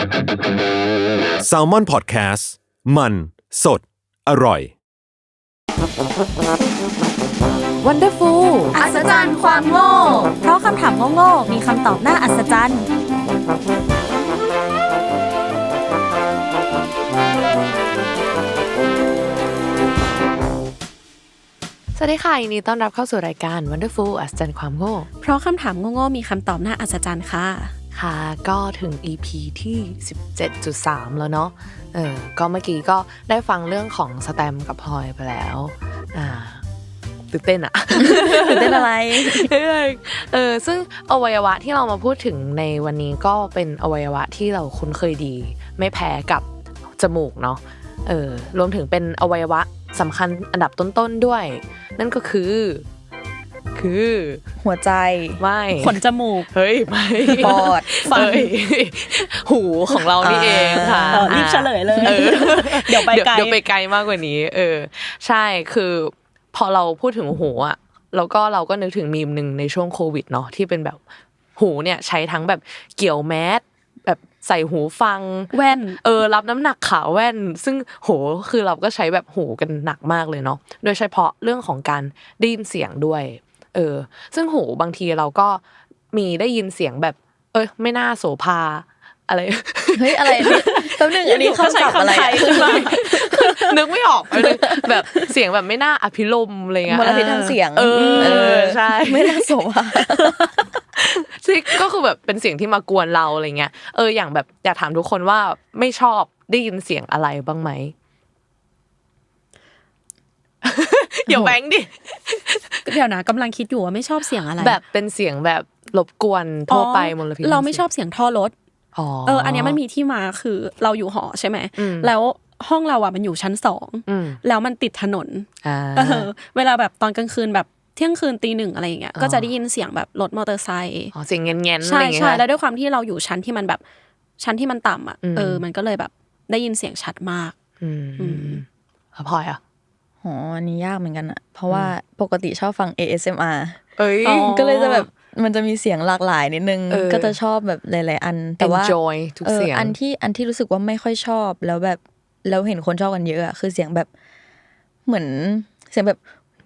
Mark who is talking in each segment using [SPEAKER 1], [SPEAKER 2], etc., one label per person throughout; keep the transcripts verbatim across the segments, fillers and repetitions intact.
[SPEAKER 1] Salmon Podcast มันสดอร่อย
[SPEAKER 2] Wonderful
[SPEAKER 3] อัศจรรย์ความโง่
[SPEAKER 2] เพราะคำถามโง่ๆมีคำตอบน่าอัศจรรย์
[SPEAKER 3] สวัสดีค่ะยินดีต้อนรับเข้าสู่รายการ Wonderful อัศจรรย์ความโง่
[SPEAKER 2] เพราะคำถามโง่ๆมีคำตอบน่าอัศจรรย์ค่ะ
[SPEAKER 3] ค่ะก็ถึง อี พี ที่ สิบเจ็ดจุดสาม แล้วเนาะเออก็เมื่อกี้ก็ได้ฟังเรื่องของสแตมกับพลอยไปแล้วอ่าตื่นเต้นอะ
[SPEAKER 2] ตื่นเต้นอะไร
[SPEAKER 3] เออซึ่งอวัยวะที่เรามาพูดถึงในวันนี้ก็เป็นอวัยวะที่เราคุ้นเคยดีไม่แพ้กับจมูกเนาะเออรวมถึงเป็นอวัยวะสำคัญอันดับต้นๆด้วยนั่นก็คือคือ
[SPEAKER 2] หัวใจ
[SPEAKER 3] ไม่
[SPEAKER 2] ขนจมูก
[SPEAKER 3] เฮ้ยไม่
[SPEAKER 2] ปอดฟัน
[SPEAKER 3] หูของเรานี่เองค่ะ
[SPEAKER 2] รีบเฉลยเลยเดี๋ยวไปไกล
[SPEAKER 3] เดี๋ยวไปไกลมากกว่านี้เออใช่คือพอเราพูดถึงหูอ่ะแล้วก็เราก็นึกถึงมีมนึงในช่วงโควิดเนาะที่เป็นแบบหูเนี่ยใช้ทั้งแบบเกี่ยวแมสแบบใส่หูฟัง
[SPEAKER 2] แว่น
[SPEAKER 3] เออรับน้ำหนักขาแว่นซึ่งโหคือเราก็ใช้แบบหูกันหนักมากเลยเนาะโดยเฉพาะเรื่องของการได้ยินเสียงด้วยเออซึ่งหูบางทีเราก็มีได้ยินเสียงแบบเอ้ยไม่น่าโสภาอะไร
[SPEAKER 2] เฮ้ยอะไรนี่แป๊บนึงอันนี้เขาใช้อะไรขึ้นมา
[SPEAKER 3] นึกไม่ออกเลยแบบเสียงแบบไม่น่าอภิรมย์อะไรเงี้ย
[SPEAKER 2] มลพิษทางเสียง
[SPEAKER 3] เออใช่
[SPEAKER 2] ไม่น่าโสภา
[SPEAKER 3] ซึ่งก็คือแบบเป็นเสียงที่มากวนเราอะไรเงี้ยเอออย่างแบบอยากถามทุกคนว่าไม่ชอบได้ยินเสียงอะไรบ้างไหมอย่าแบงดิ
[SPEAKER 2] เดี๋ยวนะกำลังคิดอยู่ว่าไม่ชอบเสียงอะไร
[SPEAKER 3] แบบเป็นเสียงแบบรบกวนทั่วไปมลพิษ
[SPEAKER 2] เราไม่ชอบเสียงท่อรถเอออันนี้มันมีที่มาคือเราอยู่หอใช่ไหมแล้วห้องเราอ่ะมันอยู่ชั้นสองแล้วมันติดถนนเออเวลาแบบตอนกลางคืนแบบเที่ยงคืนตีหนึ่งอะไรอย่างเงี้ยก็จะได้ยินเสียงแบบรถมอเตอร์ไซค์
[SPEAKER 3] อ๋อเสียงเงี้ยๆ
[SPEAKER 2] ใช่ใช่แล้วด้วยความที่เราอยู่ชั้นที่มันแบบชั้นที่มันต่ำอ่ะเออมันก็เลยแบบได้ยินเสียงชัดมาก
[SPEAKER 3] อืมพลอยอ่ะ
[SPEAKER 4] อ๋ออันนี้ยากเหมือนกันอะเพราะว่าปกติชอบฟัง เอ เอส เอ็ม อาร์
[SPEAKER 3] เอ้ย
[SPEAKER 4] ก็เลยจะแบบมันจะมีเสียงหลากหลายนิดนึงก็จะชอบแบบหลายๆอันแต่ว่า
[SPEAKER 3] enjoy ทุกเสียง
[SPEAKER 4] อันที่อันที่รู้สึกว่าไม่ค่อยชอบแล้วแบบแล้วเห็นคนชอบกันเยอะอะคือเสียงแบบเหมือนเสียงแบบ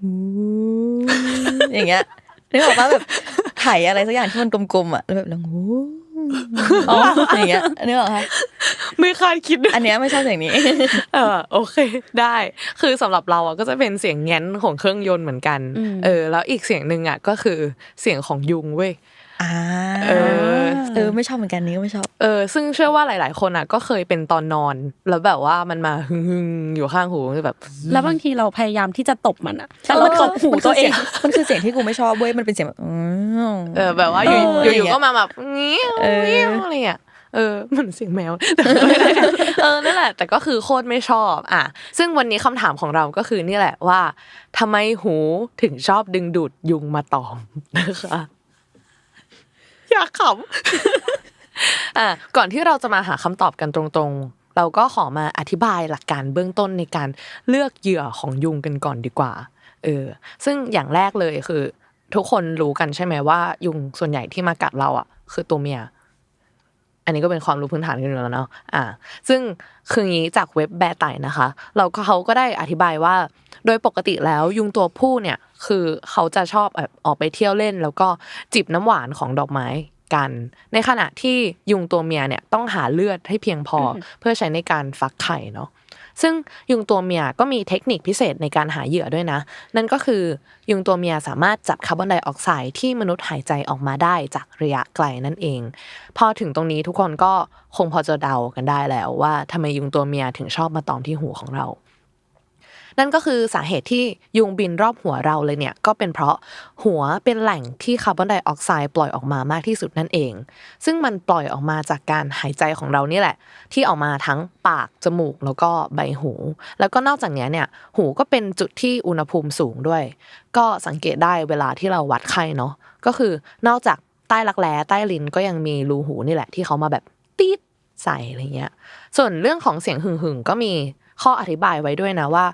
[SPEAKER 4] อย่างเงี้ยนึกออกป่ะแบบไถอะไรสักอย่างที่มันกลมๆอะแล้วแบบแล้วงูอ๋ออย่างเงี้ยนึกออกป่ะ
[SPEAKER 3] ไม่คาดคิด
[SPEAKER 4] อันเนี้ยไม่ชอบเสียงนี้
[SPEAKER 3] เออโอเคได้คือสำหรับเราอ่ะก็จะเป็นเสียงแง้นของเครื่องยนต์เหมือนกันเออแล้วอีกเสียงนึงอ่ะก็คือเสียงของยุงเว้ย
[SPEAKER 4] อ่าเออเออไม่ชอบเหมือนกันนี้ก็ไม่ชอบ
[SPEAKER 3] เออซึ่งเชื่อว่าหลายๆคนอ่ะก็เคยเป็นตอนนอนแล้วแบบว่ามันมาหึ่งๆอยู่ข้างหูแบบ
[SPEAKER 2] แล้วบางทีเราพยายามที่จะตบมันอ่ะแต่มันตบหูตัวเอง
[SPEAKER 4] มันคือเสียงที่กูไม่ชอบเว้ยมันเป็นเสียงแบบ
[SPEAKER 3] เออแบบว่าอยู่ๆก็มาแบบงี้อะไรอ่ะเออเหมือนเสียงแมวเออนั่นแหละแต่ก็คือโคตรไม่ชอบอ่ะซึ่งวันนี้คำถามของเราก็คือนี่แหละว่าทำไมหูถึงชอบดึงดูดยุงมาตอมนะคะอยากขำอ่ะก่อนที่เราจะมาหาคำตอบกันตรงๆเราก็ขอมาอธิบายหลักการเบื้องต้นในการเลือกเหยื่อของยุงกันก่อนดีกว่าเออซึ่งอย่างแรกเลยคือทุกคนรู้กันใช่ไหมว่ายุงส่วนใหญ่ที่มากัดเราอ่ะคือตัวเมียอันนี้ก็เป็นความรู้พื้นฐานกันอยู่แล้วเนาะอ่าซึ่งคืองี้จากเว็บแบร์ไต่นะคะเราก็เขาก็ได้อธิบายว่าโดยปกติแล้วยุงตัวผู้เนี่ยคือเขาจะชอบแบบออกไปเที่ยวเล่นแล้วก็จิบน้ำหวานของดอกไม้กันในขณะที่ยุงตัวเมียเนี่ยต้องหาเลือดให้เพียงพอเพื่อใช้ในการฟักไข่เนาะซึ่งยุงตัวเมียก็มีเทคนิคพิเศษในการหาเหยื่อด้วยนะนั่นก็คือยุงตัวเมียสามารถจับคาร์บอนไดออกไซด์ที่มนุษย์หายใจออกมาได้จากระยะไกลนั่นเองพอถึงตรงนี้ทุกคนก็คงพอจะเดากันได้แล้วว่าทำไมยุงตัวเมียถึงชอบมาตอมที่หูของเรานั่นก็คือสาเหตุที่ยุงบินรอบหัวเราเลยเนี่ยก็เป็นเพราะหัวเป็นแหล่งที่คาร์บอนไดออกไซด์ปล่อยออกมามากที่สุดนั่นเองซึ่งมันปล่อยออกมาจากการหายใจของเรานี่แหละที่ออกมาทั้งปากจมูกแล้วก็ใบหูแล้วก็นอกจากนี้เนี่ยหูก็เป็นจุดที่อุณหภูมิสูงด้วยก็สังเกตได้เวลาที่เราวัดไข้เนาะก็คือนอกจากใต้รักแร้ใต้ลิ้นก็ยังมีรูหูนี่แหละที่เขามาแบบตี๊ดใส่อะไรเงี้ยส่วนเรื่องของเสียงหึ่งๆก็มีข้ออธิบายไว้ด้วยนะว่าเ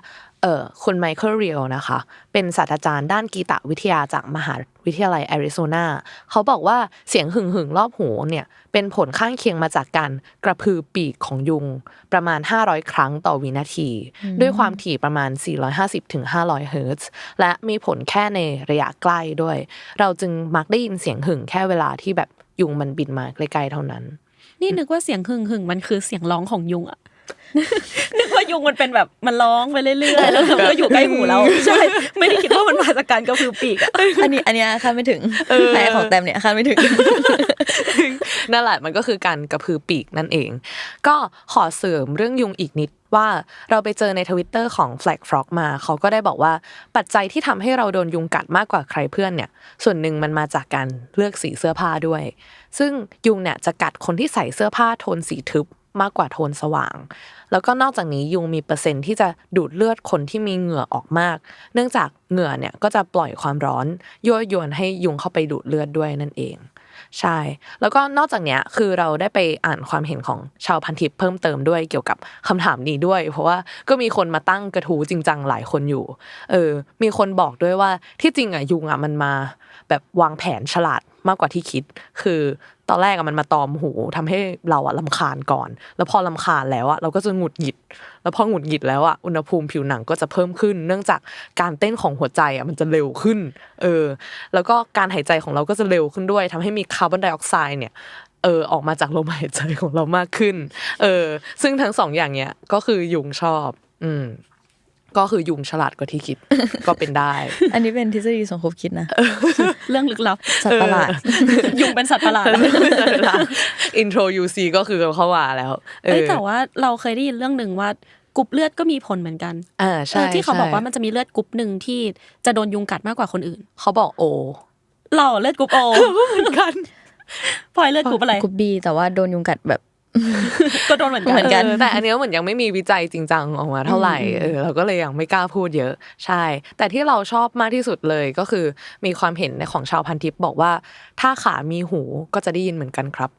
[SPEAKER 3] เออคุณไมเคิลเรียลนะคะเป็นศาสตราจารย์ด้านกีตวิทยาจากมหาวิทยาลัยแอริโซนาเขาบอกว่าเสียงหึ่งหึ่งรอบหูเนี่ยเป็นผลข้างเคียงมาจากการกระพือปีกของยุงประมาณห้าร้อยครั้งต่อวินาทีด้วยความถี่ประมาณสี่ร้อยห้าสิบถึงห้าร้อยเฮิรตซ์และมีผลแค่ในระยะใกล้ด้วยเราจึงมักได้ยินเสียงหึ่งแค่เวลาที่แบบยุงมันบินมาใกล้ๆเท่านั้น
[SPEAKER 2] นี่นึกว่าเสียงหึ่งหึ่งมันคือเสียงร้องของยุงอะนึกว่ายุงมันเป็นแบบมันร้องไปเรื่อยๆแล้วมันก็อยู่ใกล้หูเราใช่ไม่ได้คิดว่ามันมาจากการกระพือปีกอ่ะ
[SPEAKER 4] อันนี้อันนี้คาดไม่ถึงแต่ของแต้มเนี่ยคาดไม่ถึง
[SPEAKER 3] นั่นแหละมันก็คือการกระพือปีกนั่นเองก็ขอเสริมเรื่องยุงอีกนิดว่าเราไปเจอใน Twitter ของ Flag Frog มาเขาก็ได้บอกว่าปัจจัยที่ทำให้เราโดนยุงกัดมากกว่าใครเพื่อนเนี่ยส่วนหนึ่งมันมาจากการเลือกสีเสื้อผ้าด้วยซึ่งยุงเนี่ยจะกัดคนที่ใส่เสื้อผ้าโทนสีทึบมากกว่าโทนสว่างแล้วก็นอกจากนี้ยุงมีเปอร์เซ็นต์ที่จะดูดเลือดคนที่มีเหงื่อออกมากเนื่องจากเหงื่อเนี่ยก็จะปล่อยความร้อนยั่วยวนให้ยุงเข้าไปดูดเลือดด้วยนั่นเองใช่แล้วก็นอกจากเนี้ยคือเราได้ไปอ่านความเห็นของชาวพันทิปเพิ่มเติมด้วยเกี่ยวกับคำถามนี้ด้วยเพราะว่าก็มีคนมาตั้งกระทู้จริงจังหลายคนอยู่เออมีคนบอกด้วยว่าที่จริงอ่ะยุงอ่ะมันมาแบบวางแผนฉลาดมากกว่าที่คิดคือตอนแรกอะมันมาตอมหูทำให้เราอะรำคาญก่อนแล้วพอรำคาญแล้วอะเราก็จะหงุดหงิดแล้วพอหงุดหงิดแล้วอะอุณหภูมิผิวหนังก็จะเพิ่มขึ้นเนื่องจากการเต้นของหัวใจอะมันจะเร็วขึ้นเออแล้วก็การหายใจของเราก็จะเร็วขึ้นด้วยทำให้มีคาร์บอนไดออกไซด์เนี่ยเออออกมาจากลมหายใจของเรามากขึ้นเออซึ่งทั้งสองอย่างเนี้ยก็คือยุงชอบอืมก็คือยุงฉลาดกว่าที่คิดก็เป็นได้
[SPEAKER 4] อันนี้เป็นทฤษฎีสมคบคิดนะ
[SPEAKER 2] เรื่องลึกลับ
[SPEAKER 4] สัตว์ประหลาด
[SPEAKER 2] ยุงเป็นสัตว์ประหลาด
[SPEAKER 3] อินโทร ยู ซี ก็คือเข้ามาแล้ว
[SPEAKER 2] เอ้ยแต่ว่าเราเคยได้ยินเรื่องนึงว่ากรุ๊ปเลือดก็มีผลเหมือนกัน
[SPEAKER 3] อ่าใช่
[SPEAKER 2] ที่เขาบอกว่ามันจะมีเลือดกรุ๊ปนึงที่จะโดนยุงกัดมากกว่าคนอื่น
[SPEAKER 3] เขาบอกโอ
[SPEAKER 2] เราเลือดกรุ๊ปโอ
[SPEAKER 3] เหมือนกัน
[SPEAKER 2] พลอยเลือดกรุ๊ปอะไร
[SPEAKER 4] กรุ๊ป B แต่ว่าโดนยุงกัดแบบ
[SPEAKER 2] ก็โดนเหมือนกัน
[SPEAKER 3] แต่อันนี้เหมือนยังไม่มีวิจัยจริงจังออกมาเท่าไหร่เออเราก็เลยยังไม่กล้าพูดเยอะใช่แต่ที่เราชอบมากที่สุดเลยก็คือมีความเห็นในของชาวพันทิปบอกว่าถ้าขามีหูก็จะได้ยินเหมือนกันครับ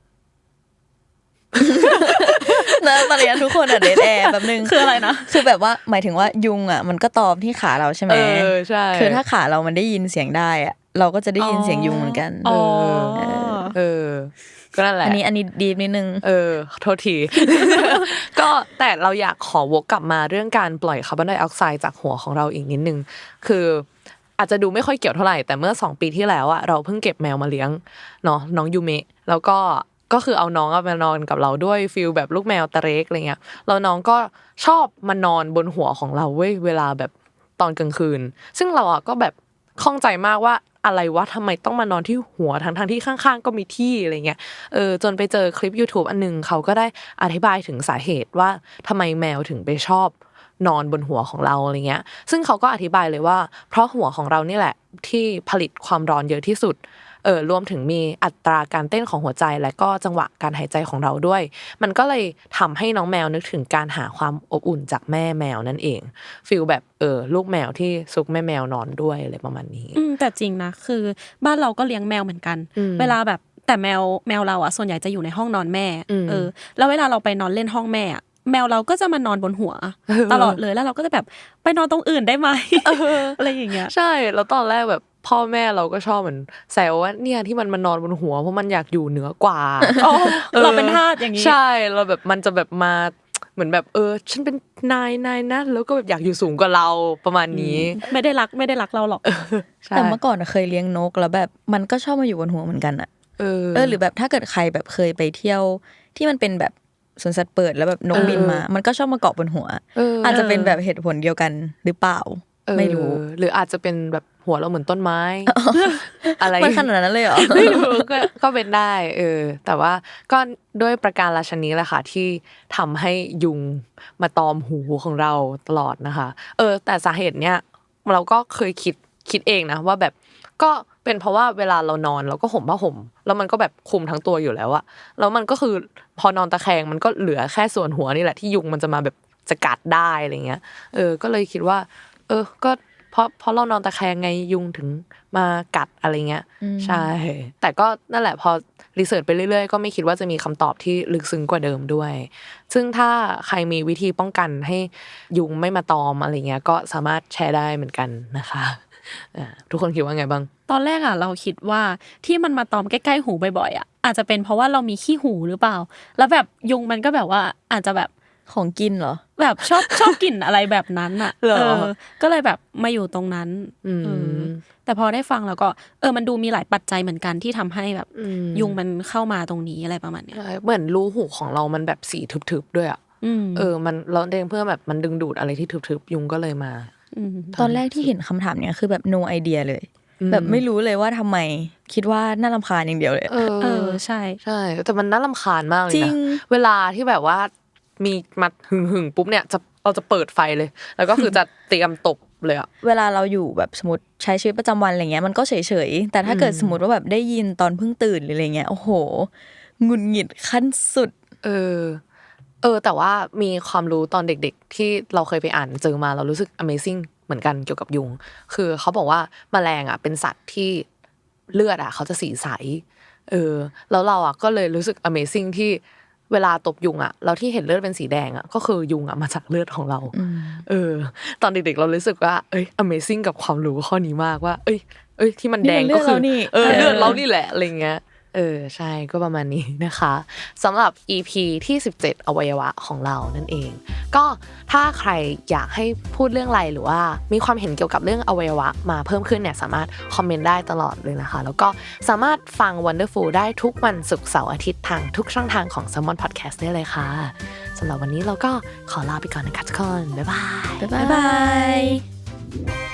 [SPEAKER 4] นะตอนนี้ทุกคนอ่ะเดทแอร์แบบนึง
[SPEAKER 2] คืออะไรนะ
[SPEAKER 4] คือแบบว่าหมายถึงว่ายุงอ่ะมันก็ตอมที่ขาเราใช่ไหม
[SPEAKER 3] เออใช่
[SPEAKER 4] คือถ้าขาเรามันได้ยินเสียงได้อ่ะเราก็จะได้ยินเสียงยุงเหมือนกัน
[SPEAKER 2] เอ
[SPEAKER 3] อเออก็นั่นแหละ
[SPEAKER 4] อันนี้อันนี้ดีนิดนึง
[SPEAKER 3] เออโทษทีก็แต่เราอยากขอวกกลับมาเรื่องการปล่อยคาร์บอนไดออกไซด์จากหัวของเราอีกนิดนึงคืออาจจะดูไม่ค่อยเกี่ยวเท่าไหร่แต่เมื่อสองปีที่แล้วอะเราเพิ่งเก็บแมวมาเลี้ยงเนาะน้องยูเมะแล้วก็ก็คือเอาน้องมานอนกับเราด้วยฟีลแบบลูกแมวตะเล็กอะไรเงี้ยแล้วน้องก็ชอบมานอนบนหัวของเราเว้ยเวลาแบบตอนกลางคืนซึ่งเราอะก็แบบข้องใจมากว่าอะไรวะทำไมต้องมานอนที่หัวทั้งๆที่ข้างๆก็มีที่อะไรเงี้ยเออจนไปเจอคลิป YouTube อันนึงเขาก็ได้อธิบายถึงสาเหตุว่าทำไมแมวถึงไปชอบนอนบนหัวของเราอะไรเงี้ยซึ่งเขาก็อธิบายเลยว่าเพราะหัวของเรานี่แหละที่ผลิตความร้อนเยอะที่สุดเออรวมถึงมีอัตราการเต้นของหัวใจและก็จังหวะการหายใจของเราด้วยมันก็เลยทำให้น้องแมวนึกถึงการหาความอบอุ่นจากแม่แมวนั่นเองฟีลแบบเออลูกแมวที่ซุกแม่แมวนอนด้วยอะไรประมาณนี้
[SPEAKER 2] อืมแต่จริงนะคือบ้านเราก็เลี้ยงแมวเหมือนกันเวลาแบบแต่แมวแมวเราอ่ะส่วนใหญ่จะอยู่ในห้องนอนแม่เออแล้วเวลาเราไปนอนเล่นห้องแม่แมวเราก็จะมานอนบนหัวตลอดเลยแล้วเราก็จะแบบไปนอนตรงอื่นได้ไหมอะไรอย่างเงี้ย
[SPEAKER 3] ใช่แล้วตอนแรกแบบพ่อแม่เราก็ชอบเหมือนแซวว่าเนี่ยที่มันมานอนบนหัวเพราะมันอยากอยู่เหนือกว่า
[SPEAKER 2] เราเป็นทาสอย่างนี้
[SPEAKER 3] ใช่เราแบบมันจะแบบมาเหมือนแบบเออฉันเป็นนายนายนะแล้วก็แบบอยากอยู่สูงกว่าเราประมาณนี้
[SPEAKER 2] ไม่ได้รักไม่ได้รักเราหรอก
[SPEAKER 4] แต่เมื่อก่อนเคยเลี้ยงนกแล้วแบบมันก็ชอบมาอยู่บนหัวเหมือนกันอ่ะเออเออหรือแบบถ้าเกิดใครแบบเคยไปเที่ยวที่มันเป็นแบบสวนสัตว์เปิดแล้วแบบนกบินมามันก็ชอบมาเกาะบนหัวอาจจะเป็นแบบเหตุผลเดียวกันหรือเปล่าไม่รู้
[SPEAKER 3] หรืออาจจะเป็นแบบหัวเราเหมือนต้นไม้อะไร
[SPEAKER 4] มันขนาดนั้นเลยเหรอ
[SPEAKER 3] ไม่รู้ก็ก็เป็นได้เออแต่ว่าก็ด้วยประการราชนี้แหละค่ะที่ทำให้ยุงมาตอมหูของเราตลอดนะคะเออแต่สาเหตุเนี้ยเราก็เคยคิดคิดเองนะว่าแบบก็เป็นเพราะว่าเวลาเรานอนเราก็ห่มผ้าห่มแล้วมันก็แบบคลุมทั้งตัวอยู่แล้วอะแล้วมันก็คือพอนอนตะแคงมันก็เหลือแค่ส่วนหัวนี่แหละที่ยุงมันจะมาแบบจะกัดได้อะไรเงี้ยเออก็เลยคิดว่าเออก็เพราะเพราะเรานอนตะแคงไงยุงถึงมากัดอะไรเงี้ยใช่แต่ก็นั่นแหละพอรีเสิร์ชไปเรื่อยๆก็ไม่คิดว่าจะมีคำตอบที่ลึกซึ้งกว่าเดิมด้วยซึ่งถ้าใครมีวิธีป้องกันให้ยุงไม่มาตอมอะไรเงี้ยก็สามารถแชร์ได้เหมือนกันนะคะทุกคนคิดว่าไงบ้าง
[SPEAKER 2] ตอนแรกอ่ะเราคิดว่าที่มันมาตอมใกล้ๆหูบ่อยๆอ่ะอาจจะเป็นเพราะว่าเรามีขี้หูหรือเปล่าแล้วแบบยุงมันก็แบบว่าอาจจะแบบ
[SPEAKER 4] ของกินเหรอ
[SPEAKER 2] แบบชอบชอบกลิ่นอะไรแบบนั้นอ่ะเออก็เลยแบบมาอยู่ตรงนั้นเออแต่พอได้ฟังแล้วก็เออมันดูมีหลายปัจจัยเหมือนกันที่ทำให้แบบยุงมันเข้ามาตรงนี้อะไรประมาณเนี้ย
[SPEAKER 3] เหมือนรูหูของเรามันแบบสีทึบๆด้วยอ่ะเออมันเราเองเพื่อแบบมันดึงดูดอะไรที่ทึบๆยุงก็เลยมา
[SPEAKER 4] ตอนแรกที่เห็นคำถามเนี้ยคือแบบ no idea เลยแบบไม่รู้เลยว่าทำไมคิดว่าน่ารำคาญอย่างเดียวเลย
[SPEAKER 2] เออใช่
[SPEAKER 3] ใช่แต่มันน่ารำคาญมากเลยนะเวลาที่แบบว่ามีมาหึ่งหึ่งปุ๊บเนี่ยจะเราจะเปิดไฟเลยแล้วก็คือจะเตรียมตบเลยอะ
[SPEAKER 4] เวลาเราอยู่แบบสมมติใช้ชีวิตประจำวันอะไรเงี้ยมันก็เฉยๆแต่ถ้าเกิดสมมติว่าแบบได้ยินตอนเพิ่งตื่นหรืออะไรเงี้ยโอ้โหหงุดหงิดขั้นสุด
[SPEAKER 3] เออเออแต่ว่ามีความรู้ตอนเด็กๆที่เราเคยไปอ่านเจอมาเรารู้สึก Amazing เหมือนกันเกี่ยวกับยุงคือเขาบอกว่าแมลงอ่ะเป็นสัตว์ที่เลือดอ่ะเขาจะสีใสเออแล้วเราอ่ะก็เลยรู้สึก Amazing ที่เวลาตบยุงอ่ะเราที่เห็นเลือดเป็นสีแดงอ่ะก็คือยุงอ่ะมาจากเลือดของเราเออตอนเด็กๆเรารู้สึกว่าเอ้ย Amazing กับความรู้ข้อนี้มากว่าเอ้ยเอ้ยที่มันแดงก็คือเออเลือดเรานี่แหละอะไรเงี้ยเออใช่ก็ประมาณนี้นะคะสำหรับ อี พี ที่สิบเจ็ดอวัยวะของเรานั่นเองก็ถ้าใครอยากให้พูดเรื่องอะไรหรือว่ามีความเห็นเกี่ยวกับเรื่องอวัยวะมาเพิ่มขึ้นเนี่ยสามารถคอมเมนต์ได้ตลอดเลยนะคะแล้วก็สามารถฟัง Wonderful ได้ทุกวันศุกร์เสาร์อาทิตย์ทางทุกช่องทางของ Salmon Podcast ได้เลยค่ะสำหรับวันนี้เราก็ขอลาไปก่อนนะคะทุกคนบ๊ายบาย
[SPEAKER 4] บ๊ายบาย